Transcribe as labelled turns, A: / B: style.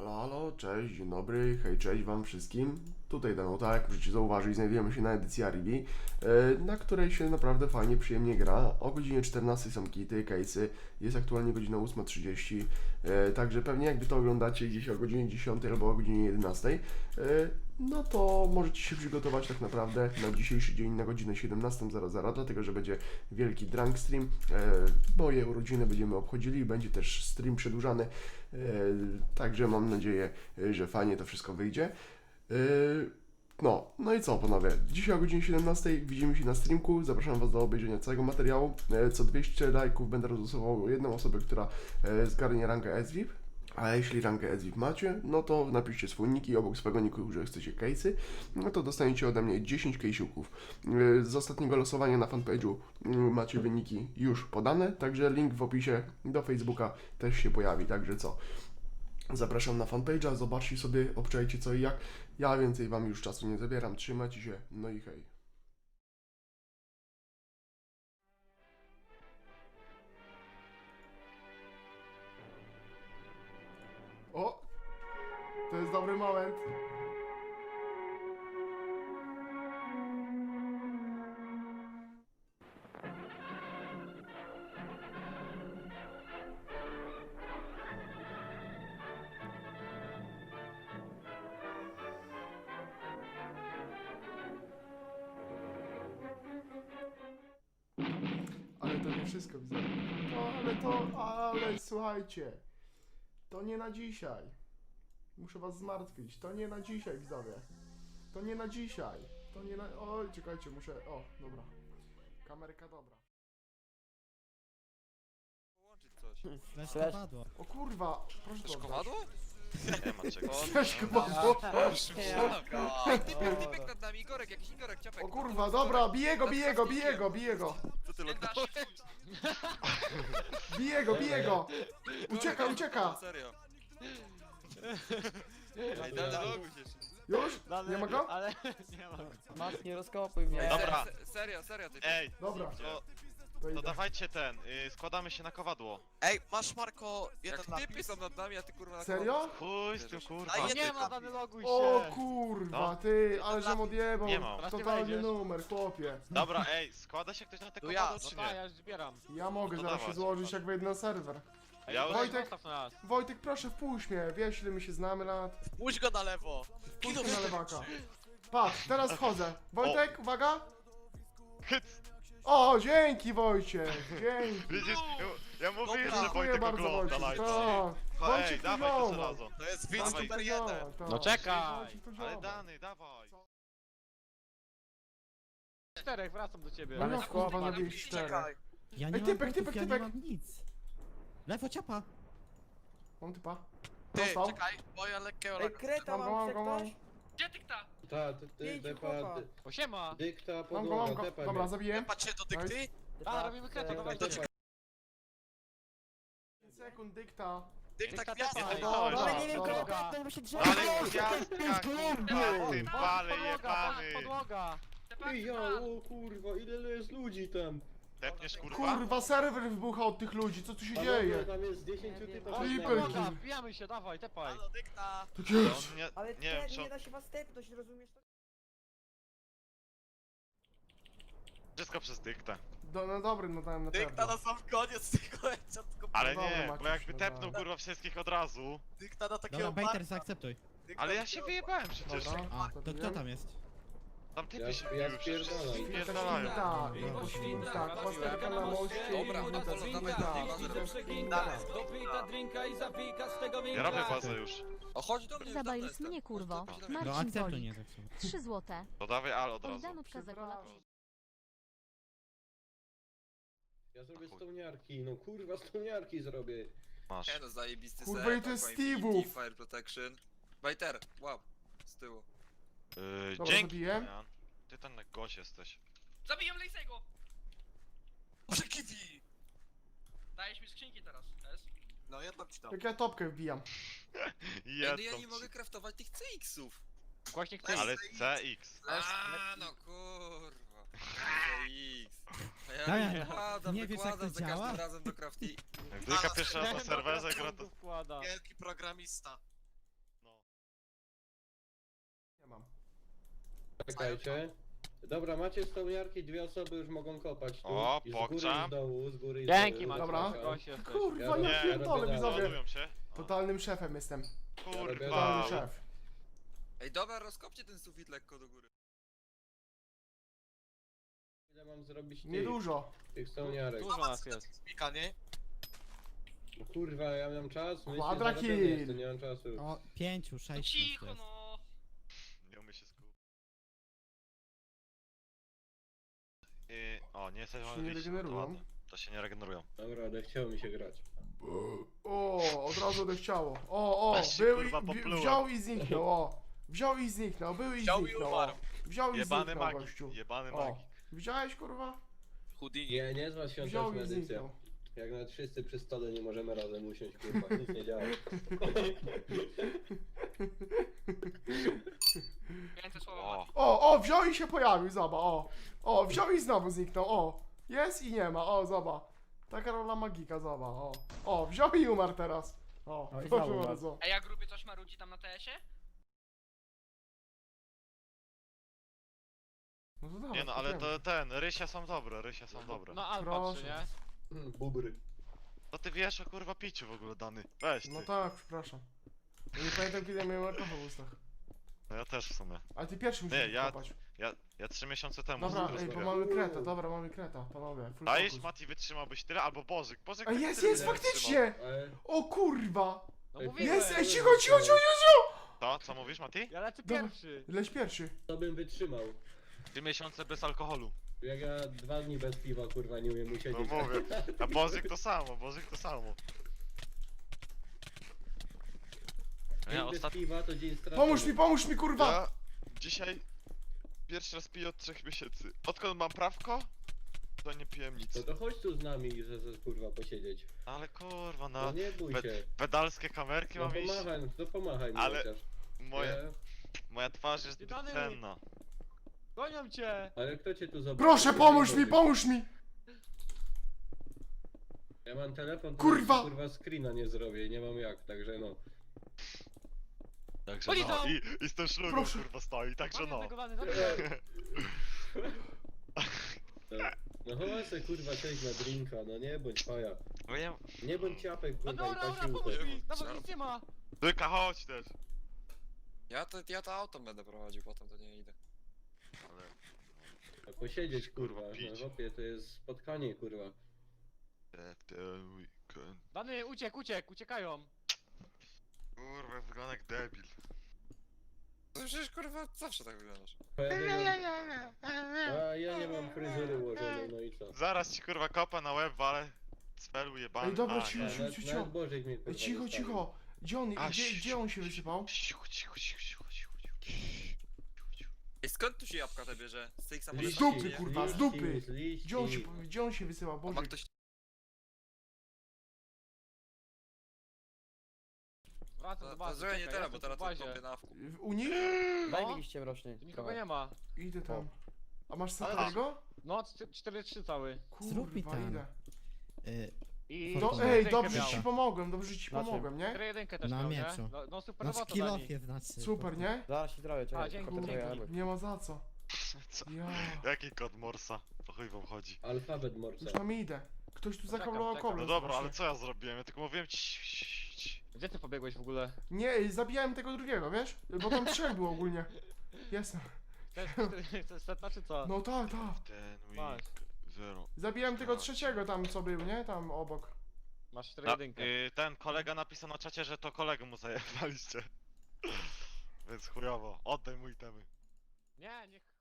A: Halo, halo, cześć, dzień dobry, hej, cześć wam wszystkim. Tutaj Danuta, jak możecie zauważyć, znajdujemy się na edycji Aribi, na której się naprawdę fajnie, przyjemnie gra. O godzinie 14 są kity, case'y, jest aktualnie godzina 8:30, także pewnie jakby to oglądacie gdzieś o godzinie 10 albo o godzinie 11, no to możecie się przygotować tak naprawdę na dzisiejszy dzień na godzinę 17:00, dlatego że będzie wielki drunk stream. Moje urodziny będziemy obchodzili i będzie też stream przedłużany. Także mam nadzieję, że fajnie to wszystko wyjdzie. No i co panowie, dzisiaj o godzinie 17 widzimy się na streamku, zapraszam was do obejrzenia całego materiału. Co 200 lajków będę rozlosował jedną osobę, która zgarnie rangę SVIP. A jeśli rangę SVIP macie, no to napiszcie swój nick i obok swojego nicku, że chcecie case'y, no to dostaniecie ode mnie 10 case'ów. Z ostatniego losowania na fanpage'u macie wyniki już podane, także link w opisie do Facebooka też się pojawi, także co? Zapraszam na fanpage'a, zobaczcie sobie, obczajcie co i jak. Ja więcej wam już czasu nie zabieram, trzymajcie się, no i hej. O! To jest dobry moment. Ale to nie wszystko, widzę. Ale słuchajcie. To nie na dzisiaj. Muszę was zmartwić. To nie na dzisiaj, widzowie. To nie na dzisiaj. To nie na... Oj, czekajcie, muszę... O, dobra. Kamerka dobra.
B: Połączyć coś.
C: Flash padło.
A: O kurwa, proszę to oddać.
B: Kowadło?
D: Nie ma czego.
A: Fleszkę padło.
B: Ej, typek nad nami, Igorek, jakiś Igorek, ciapek.
A: O kurwa, dobra, bije go.
D: Co ty lognąłeś?
A: Bije go. Ucieka.
B: Serio. Ej, dane loguj się jeszcze.
A: Już? Nie ma go?
C: Ale nie ma go.
E: Masz, nie rozkopuj mnie.
D: Dobra.
B: Serio, ty.
D: Ej,
A: Dobra,
D: to,
A: to
D: to
A: idę.
D: dawajcie ten, składamy się na kowadło.
F: Ej, masz Marko
B: Jak
F: jeden
B: typy
F: napis?
B: są nad nami, a ty kurwa na
A: Serio?
D: Chuj z tym kurwa.
F: A
C: Nie
F: jeden
C: ma, dany loguj się.
A: O kurwa,
D: No.
A: ty, ale żem odjebał.
D: Nie mam.
A: Totalnie
C: wejdziesz.
A: numer, chłopie.
D: Dobra, ej, składa się ktoś na te
F: To ja.
D: kowadło
C: No
D: czy
C: tak,
D: nie?
C: ja już zbieram.
A: Ja mogę
D: No
A: zaraz się
D: dawaj.
A: złożyć jak wejdę na serwer.
C: Ej,
D: Ja-
C: Wojtek,
A: Wojtek?
C: zostaw nas.
A: Wojtek, proszę wpuść mnie, wiesz ile my się znamy lat.
F: Pójdź go na lewo.
A: Wpuść mnie na lewaka. Patrz, teraz wchodzę. Wojtek, uwaga.
D: Hyc!
A: O, dzięki Wojciech, dzięki.
D: Widzisz, ja mówiłem,
F: Dobra.
D: że
A: Dziękuję
D: Wojtek
A: bardzo
D: ogląda
A: Wojciech,
D: live.
A: to.
D: Ej,
A: Wojciech to
D: dawaj to
A: ziomal.
D: żelazo.
F: To jest widz
D: Dawaj.
F: numer jeden.
C: No czekaj.
A: Wojciech to
D: Ale
A: ziomal.
D: Dany, dawaj.
C: Czterech, wracam do ciebie.
A: Ale
E: Ale
A: kurwa,
E: chłopak,
A: zabiłeś 4.
F: Czekaj.
C: Ja
A: nie mam typek.
C: ja nie mam nic. Lewo ciapa.
A: Mam typa.
F: Ty,
A: Dostał.
F: czekaj, bo ja lekkiego
E: Ej,
F: laga.
E: kreta
A: Mam
E: mam,
A: go.
E: chce ktoś? Pięciu
G: Depa,
E: chłopa.
C: Osiema.
G: dykta,
A: Mam
G: podłoga,
A: go.
G: depa.
A: Dobra, zabiję.
F: Patrzcie do dykty.
C: A, robimy kretę, dawaj.
F: to
G: depa.
A: 5 sekund dykta.
F: Dykta
C: Dykta
F: gwiazda.
C: tepa.
A: Dobra,
E: Ale nie wiem,
A: dobra.
E: kogo to bo się drzewo.
D: Ale gwiazdka, kurwa, ty pale jebany.
C: Podłoga.
G: Ej, ja, o kurwa, ile jest ludzi tam?
D: Tepniesz kurwa?
A: Kurwa, serwer wybucha od tych ludzi, co tu się
G: Panowie,
A: dzieje?
G: tam jest 10 typów.
A: Creeper
C: Podłoga,
A: kill.
C: wbijamy się, dawaj, tepaj.
F: Halo, dykta.
A: Tak
D: Ale
A: jest.
D: on nie,
E: Ale
D: nie wiem
E: wtedy
D: czy
E: nie
D: on
E: da się was tepnąć, rozumiesz to?
D: wszystko przez dyktę.
A: No dobry, no dałem na
F: Dykta
A: pewno.
F: na sam koniec tego headshotku.
D: Ale
A: dobra,
D: nie, bo
A: Maciuś,
D: jakby
A: no
D: tepnął
A: daj.
D: kurwa wszystkich od razu.
F: Dykta na takiego
C: Dobra, Bejter,
F: Marka.
C: zaakceptuj.
F: Dykta
D: Ale
F: na
D: ja się
F: takiego-
D: wyjebałem przecież.
A: Dobra,
C: A, to
A: zabiję.
C: kto tam jest?
D: Tam
G: Ja,
D: typy się
G: ja
D: biły przecież.
G: spierdalam.
A: Świnka,
D: Pierdalają.
A: świnka, pasterka na moście,
B: Dobra,
A: świnka,
B: Apollo,
A: świnka,
B: dawaj,
A: świnka.
H: Dopyta drinka i zapika z tego
D: Ja robię bazę już.
B: O, chodź do mnie, już dawno
I: Zabajus
B: jestem.
I: mnie, kurwo.
B: Chodź do mnie.
C: No
I: Marcin
C: akceptuj,
I: Wolik.
C: nie zepsuł.
I: 3 złote.
D: To dawaj al od razu.
I: Bogdanówka za kolację.
G: Ja zrobię stołniarki, no kurwa, stołniarki zrobię.
D: Masz.
B: Nie no, zajebisty
A: Kurwa,
B: set,
A: i to jest
B: Aqua Infinity,
A: Steve'ów.
B: Fire Protection. Bajter, łap. Z tyłu.
A: Dobra,
D: Dzięki.
A: zabiję.
D: Jan. Ty ten na gość jesteś.
H: Zabiję Lejsego!
F: Może kiwi.
H: Dajesz mi skrzynki teraz, S?
F: No, ja tam ci dam.
A: Jak ja topkę wbijam.
B: Ej,
D: Ja
B: no ja nie mogę craftować tych CX-ów.
C: Właśnie chcę.
D: Ale CX.
B: A, no kurwa. CX. A ja
C: Damian,
B: wykładam,
C: nie wiesz, jak to
B: wykładam za
C: działa?
B: każdym razem do crafty.
D: Jak Dyka pierwszy raz na serwerze gra to...
C: wkłada.
F: Wielki programista.
G: Czekajcie. Dobra, macie stołniarki, 2 osoby już mogą kopać tu.
D: O,
G: I z góry, i
D: pokczam.
G: z dołu, z góry i z
C: Dzięki,
G: dołu.
C: Mati.
A: Dobra.
C: Gość jesteś.
A: Kurwa,
G: Ja
A: ja
G: robię
A: pierdolę,
G: dalej.
A: widzowie.
D: Ładują się.
A: Totalnym szefem jestem.
G: robię
D: Kurwa.
A: Totalny szef.
B: Ej, dobra, rozkopcie ten sufit lekko do góry.
G: Ile mam zrobić
A: Niedużo.
G: tych stołniarek?
C: Dużo nas jest.
F: Spika, nie?
G: No kurwa, ja mam czas? Myślę,
A: Quadra
G: że robię
A: kill.
G: jest, to nie mam czasu.
I: O, 5, 6
H: No cicho no.
D: Nie umie się skupić. O, nie jesteś
A: Się nie regenerują.
D: To się nie regenerują.
G: Dobra, ale chciało mi się grać.
A: O, od razu odechciało. O,
D: Aż się,
A: był
D: kurwa,
A: i,
D: poplułem.
A: wziął i zniknął, o. Wziął i zniknął, był i
F: Wziął i
A: zniknął,
F: umarł.
A: o. Wziął i
D: Jebany
A: zniknął,
D: magik,
A: gościu.
D: jebany
A: O,
D: magik.
A: widziałeś, kurwa?
F: Houdini.
G: Nie, nie zła
A: Wziął
G: świąteczna
A: i
G: edycja.
A: zniknął.
G: Jak nawet wszyscy przy stole nie możemy razem usiąść, kurwa, nic nie działa.
H: Więcej słowa
D: O,
H: Mati.
A: O, wziął i się pojawił, zobacz, o. O, wziął i znowu zniknął, o. Jest i nie ma, o, zobacz. Taka rola magika, zobacz, o. O, wziął i umarł teraz. O,
E: No i
A: proszę
E: znowu
A: bardzo.
H: Ej, a gruby coś marudzi tam na TS-ie?
A: No to dawaj,
D: nie no, ale
A: spróbujemy.
D: to ten, rysia są dobre, rysia są dobre.
C: No alfa
A: Proszę.
C: 3, nie?
G: Bubry.
D: To ty wiesz o kurwa piciu w ogóle, Dany. Weź ty.
A: No tak, przepraszam. Ja nie pamiętam, kiedy miałem alkohol w ustach.
D: No ja też w sumie.
A: Ale ty pierwszy musisz
D: ja-
A: kopać.
D: Ja 3 miesiące temu
A: Dobra, ej, bo
D: rozmawiałem.
A: mamy kreta, dobra, mamy kreta, panowie. Full
D: Dajesz,
A: focus.
D: Mati, wytrzymałbyś tyle, albo Bożyk. Bożyk
A: Ej,
D: tak
A: jest,
D: tyle
A: jest,
D: nie wytrzymał.
A: faktycznie!
G: Ale...
A: O kurwa!
C: No
G: Ej,
C: mówiłem.
A: Jest, ej, cicho, cicho, cicho, cicho!
D: To, co mówisz, Mati?
C: Ja lecę
A: Dobra.
C: pierwszy.
A: Leć pierwszy.
G: To bym wytrzymał.
D: 3 miesiące bez alkoholu.
G: Jak ja 2 dni bez piwa, kurwa, nie umiem
D: No
G: usiedzieć.
D: mówię. A Bożyk to samo, Bożyk to samo.
G: Dzień
D: Ja
G: bez
D: ostatnio...
G: piwa to dzień stracony.
A: Pomóż mi, kurwa!
D: Ja dzisiaj pierwszy raz piję od 3 miesięcy. Odkąd mam prawko, to nie piłem nic.
G: No to chodź tu z nami, że kurwa posiedzieć.
D: Ale kurwa,
G: No
D: no.
G: nie bój się.
D: Pedalskie kamerki
G: No
D: mam iść.
G: pomachaj, to pomachaj mi
D: Ale-
G: chociaż.
D: Moja twarz jest
C: Ty
D: zbyt
C: Dany.
D: cenna.
C: Gonią cię.
G: Ale kto cię tu zobaczy?
A: Proszę,
G: Ja
A: pomóż
G: nie
A: mi,
G: robię.
A: pomóż mi!
G: Ja mam telefon, to
A: Kurwa!
G: kurwa screena nie zrobię, nie mam jak, także no.
D: Także
C: Oni
D: no.
C: tam!
D: I z tym szlugą
A: Proszę.
D: kurwa stoi, także no.
G: No chodź se kurwa cześć na drinka, no nie bądź faja.
D: No ja...
G: Nie bądź ciapek
C: No
G: kurwa i
C: dobra, dobra,
G: pasiłkę.
C: pomóż mi. Nawet nic nie ma.
D: Dyka, chodź też.
B: Ja to auto będę prowadził, potem to nie idę.
D: Ale...
G: A posiedzieć kurwa, no
D: Pić.
G: chłopie to jest spotkanie kurwa.
D: w ten weekend.
C: Dany, uciekają.
D: Kurwa, wygląda jak debil.
B: No przecież kurwa zawsze tak wyglądasz.
G: A ja nie mam fryzury ułożonej, no i co?
D: Zaraz ci kurwa kopa na łeb, ale cfelu jebany.
A: Ej, dobra,
D: A,
A: cicho,
D: nie.
A: cicho.
G: Nawet Bożek mnie kurwa
A: Ej, cicho,
G: zostawił.
A: cicho! Gdzie on,
D: A,
A: gdzie on się wysypał?
D: Cicho, cicho, cicho, cicho, cicho, cicho.
B: Ej, skąd tu się jabłka te bierze? Z tych
A: Z
B: samolotów?
A: dupy,
B: nie?
A: kurwa, z
G: liści,
A: dupy.
G: z liści.
A: Gdzie on się wysyłał?
B: A ma
A: Boże.
B: ktoś...
C: Wracam do
B: To
C: bazy.
B: zrobię nie
C: czekaj,
B: teraz, bo
C: jestem
B: teraz
C: w bazie.
B: kopię na wku.
A: U nich?
E: Daj
C: No.
E: mi liście mroczny.
C: Tu nikogo nie ma.
A: Idę tam. A masz
C: Ale-
A: Safarego?
C: No, 4-3 cały.
I: Zrób mi
A: Kurwa,
I: ten.
A: idę.
C: I...
I: To-
A: Ej,
C: jedynkę
A: dobrze
C: miał.
A: ci pomogłem, dobrze ci
E: Na czym?
A: pomogłem, nie?
C: 4-1 też
I: Na
C: miał, nie?
I: mieczu.
C: No super
I: Na
C: robota,
I: skillofie znaczy.
A: Super, nie?
E: Zaraz się zrobię, czekaj.
C: A, dzięki,
E: kopię twoje
C: dzięki.
E: jamy.
A: Nie ma za co.
D: Co?
A: Ja,
D: Jaki kod Morsa? Po chuj wam chodzi.
G: Alfabet morca.
A: już tam idę. Ktoś tu zakablował
C: czekam.
A: koblem.
D: No dobra, ale
A: strasznie.
D: co ja zrobiłem? Ja tylko mówiłem ci.
C: Gdzie ty pobiegłeś w ogóle?
A: Nie, zabijałem tego drugiego, wiesz? Bo tam trzech było ogólnie. Jestem.
C: To jest setna czy co?
A: No tak, tak.
D: Ten
C: Masz.
D: week. Zero.
A: Zabijałem tego trzeciego tam, co był, nie? Tam obok.
C: Masz
D: No,
C: 4-1.
D: ten kolega napisał na czacie, że to kolegę mu zajebaliście. Więc chujowo. Oddaj mu itemy.
C: Nie, niech